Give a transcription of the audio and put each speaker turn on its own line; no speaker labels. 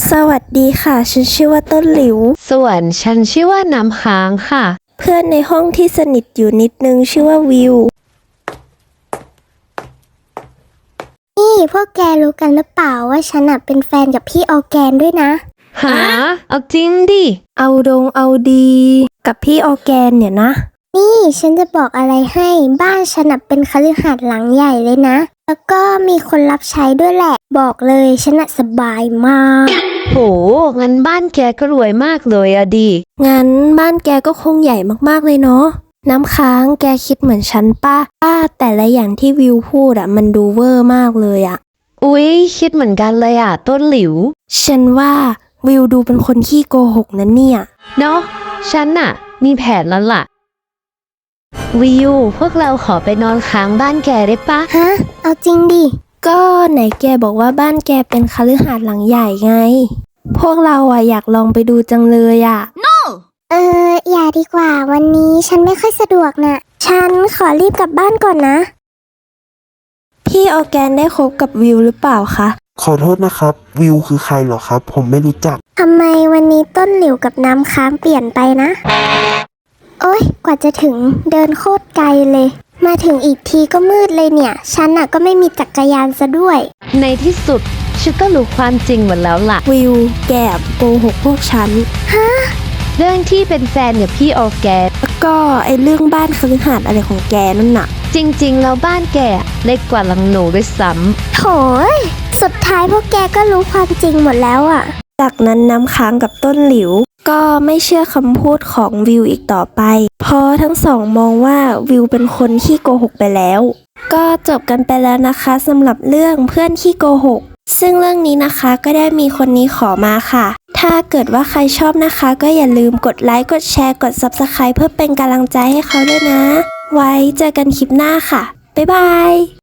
สวัสดีค่ะฉันชื่อว่าต้นหลิว
ส่วนฉันชื่อว่าน้ำค้างค่ะ
เพื่อนในห้องที่สนิทอยู่นิดนึงชื่อว่าวิว
นี่พวกแกรู้กันหรือเปล่าว่าฉันเป็นแฟนกับพี่ออร์แกนด้วยนะ
หาเอาจริงดิ
เอาดีกับพี่ออร์แกนเนี่ยนะ
นี่ฉันจะบอกอะไรให้บ้านฉันเป็นคฤหาสน์หลังใหญ่เลยนะ แล้วก็มีคนรับใช้ด้วยแหละ บอกเลยฉันสบายมาก
โหงั้นบ้านแกก็รวยมากเลยอะดิ
งั้นบ้านแกก็คงใหญ่มากๆเลยเนาะน้ำค้างแกคิดเหมือนฉันป้าแต่ละอย่างที่วิวพูดมันดูเวอร์มากเลย
อุ๊ยคิดเหมือนกันเลยอะต้นหลิว
ฉันว่าวิวดูเป็นคนขี้โกหกนะเนี่ย
เนาะฉันมีแผนแล้วล่ะ วิวพวกเราขอไปนอนค้างบ้านแกได้ปะ
ฮะ เอาจริงดิ
ก็ไหนแกบอกว่าบ้านแกเป็นคฤหาสน์หลังใหญ่ไง พวกเราอยากลองไปดูจังเลย
อย่าดีกว่าวันนี้ฉันไม่ค่อยสะดวกนะฉันขอรีบกลับบ้านก่อนนะ
พี่ออร์แกนได้คบกับวิวหรือเปล่าคะ
ขอโทษนะครับ วิวคือใครเหรอครับ ผมไม่รู้จัก
ทำไมวันนี้ต้นหลิวกับน้ำค้างเปลี่ยนไปนะ โอ๊ย กว่าจะถึงเดินโคตรไกลเลย มาถึงอีกทีก็มืดเลยเนี่ย ฉันก็ไม่มีจักรยานซะด้วย
ในที่สุดฉันก็รู้ความจริงหมดแล้วล่ะ
วิวแกโกหกพวกฉัน
เรื่องที่เป็นแฟนกับพี่ออร์แกน
แล้วก็ไอเรื่องบ้านคฤหาสน์อะไรของแกนั่นน่ะ
จริงๆแล้วบ้านแกเล็กกว่าหลังหนูด้วยซ้
โถยสุดท้ายพวกแกก็รู้ความจริงหมดแล้ว
จากนั้นน้ำค้างกับต้นหลิว ก็ไม่เชื่อคำพูดของวิวอีกต่อไป เพราะทั้งสองมองว่าวิวเป็นคนขี้โกหกไปแล้ว ก็จบกันไปแล้วนะคะสำหรับเรื่องเพื่อนขี้โกหก ซึ่งเรื่องนี้นะคะก็ได้มีคนนี้ขอมาค่ะ ถ้าเกิดว่าใครชอบนะคะ ก็อย่าลืมกดไลค์กดแชร์กด Subscribe เพื่อเป็นกำลังใจให้เขาด้วยนะ ไว้เจอกันคลิปหน้าค่ะบ๊ายบาย